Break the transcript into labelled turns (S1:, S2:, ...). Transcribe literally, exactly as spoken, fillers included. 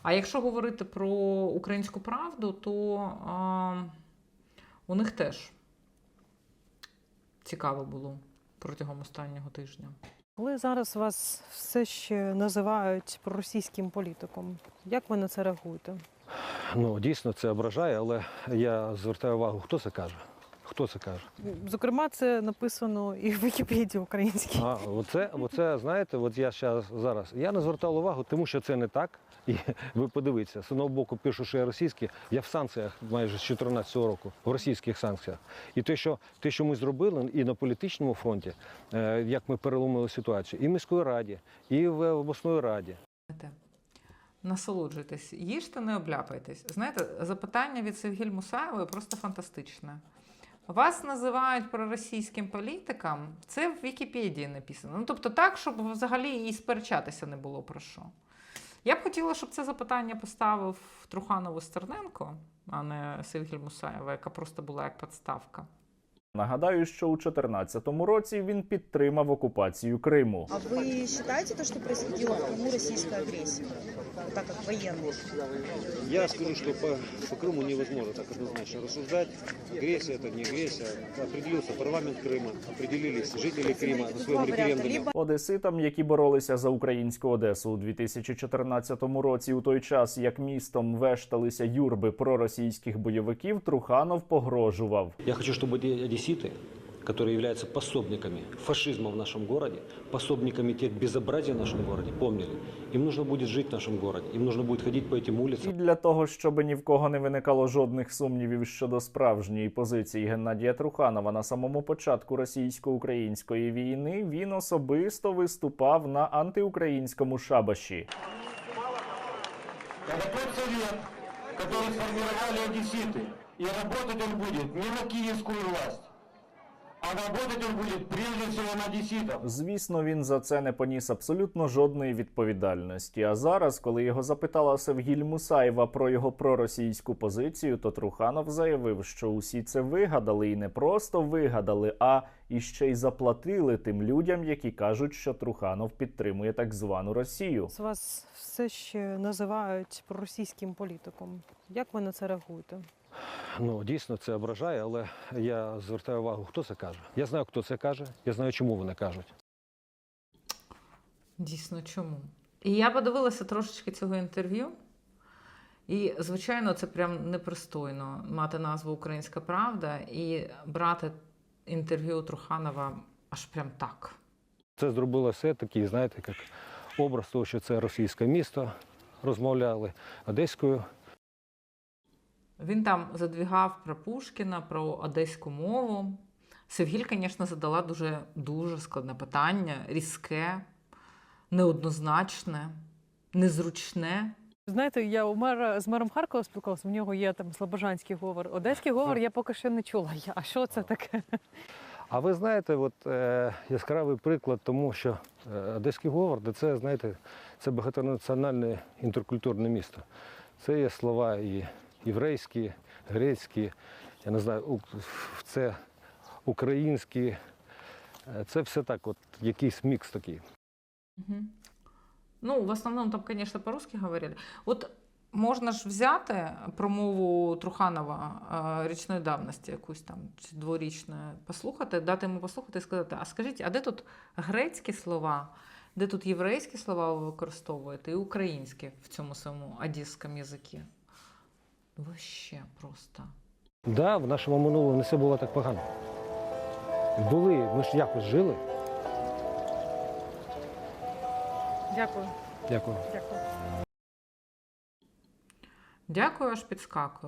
S1: А якщо говорити про «Українську правду», то а, у них теж цікаво було протягом останнього тижня.
S2: Коли зараз вас все ще називають проросійським політиком, як ви на це реагуєте?
S3: Ну, дійсно, це ображає, але я звертаю увагу, хто це каже. Хто це каже?
S2: Зокрема, це написано і в Вікіпедії українській.
S3: А, оце, оце, знаєте, от я щас, зараз, я не звертав увагу, тому що це не так. І ви подивіться, з одного боку пишу, що я російський, я в санкціях майже з чотирнадцятого року, в російських санкціях. І те, що, те, що ми зробили і на політичному фронті, е, як ми переломили ситуацію, і в міської раді, і в обласної раді.
S1: Насолоджуйтесь, їжте, не обляпайтесь. Знаєте, запитання від Севгіль Мусаєвої просто фантастичне. Вас називають проросійським політиком, це в Вікіпедії написано. Ну, тобто так, щоб взагалі і сперечатися не було про що. Я б хотіла, щоб це запитання поставив Труханов і Стерненко, а не Севгіль Мусаєва, яка просто була як підставка.
S4: Нагадаю, що у дві тисячі чотирнадцятому році він підтримав окупацію Криму.
S5: А вы считаете то, что происходило в Крыму, российская агрессия, так как военный?
S6: Я скажу, что по, по Крыму невозможно так однозначно рассуждать. Агрессия это не агрессия. Определился парламент Крыма, определились жители Крыма на своем референдуме.
S4: Одеситам, які боролися за українську Одесу у дві тисячі чотирнадцятому році, у той час, як містом вешталися юрби проросійських бойовиків, Труханов погрожував.
S3: Я хочу, чтобы одесситы, которые являются пособниками фашизма в нашем городе, пособниками тех безобразий в нашем городе, помнили, им нужно будет жить в нашем городе, им нужно будет ходить по этим
S4: І
S3: улицам.
S4: для того, щоб ні в кого не виникало жодних сумнівів щодо справжньої позиції Геннадія Труханова на самому початку російсько-української війни, він особисто виступав на антиукраїнському шабаші.
S7: Это тот совет, который сформировали одесситы. И работать он будет не на киевскую власть, а работать он будет прежде всего на одесситов.
S4: Звісно, він за це не поніс абсолютно жодної відповідальності. А зараз, коли його запитала Севгіль Мусаєва про його проросійську позицію, то Труханов заявив, що усі це вигадали, і не просто вигадали, а і ще й заплатили тим людям, які кажуть, що Труханов підтримує так звану Росію.
S2: Вас все ще називають проросійським політиком. Як ви на це реагуєте?
S3: Ну, дійсно, це ображає, але я звертаю увагу, хто це каже. Я знаю, хто це каже, я знаю, чому вони кажуть.
S1: Дійсно, чому? І я подивилася трошечки цього інтерв'ю. І, звичайно, це прям непристойно мати назву «Українська правда» і брати інтерв'ю Труханова аж прям так.
S3: Це зробило все такий, знаєте, як образ того, що це російське місто, розмовляли одеською.
S1: Він там задвігав про Пушкіна, про одеську мову. Севгіль, звісно, задала дуже, дуже складне питання, різке, неоднозначне, незручне.
S2: Знаєте, я у мера, з мером Харкова спілкувалася, в нього є там слобожанський говор. Одеський говор я поки що не чула. Я, а що це таке?
S3: А ви знаєте, от, е, яскравий приклад тому, що е, одеський говор, де це, знаєте, це багатонаціональне інтеркультурне місто. Це є слова і єврейські, грецькі, я не знаю, у- це українські, е, це все так, от якийсь мікс такий.
S1: Угу. Ну, в основному там, звісно, по-русски говорили. От можна ж взяти промову Труханова е, річної давності, якусь там, чи дворічної, послухати, дати йому послухати і сказати, а скажіть, а де тут грецькі слова, де тут єврейські слова ви використовуєте і українські в цьому своєму одеському язикі? Вообще просто.
S3: Так, да, в нашому минулому не все було так погано. Були, ми ж якось жили.
S2: Дякую.
S3: Дякую.
S2: Дякую.
S1: Дякую, аж підскакую.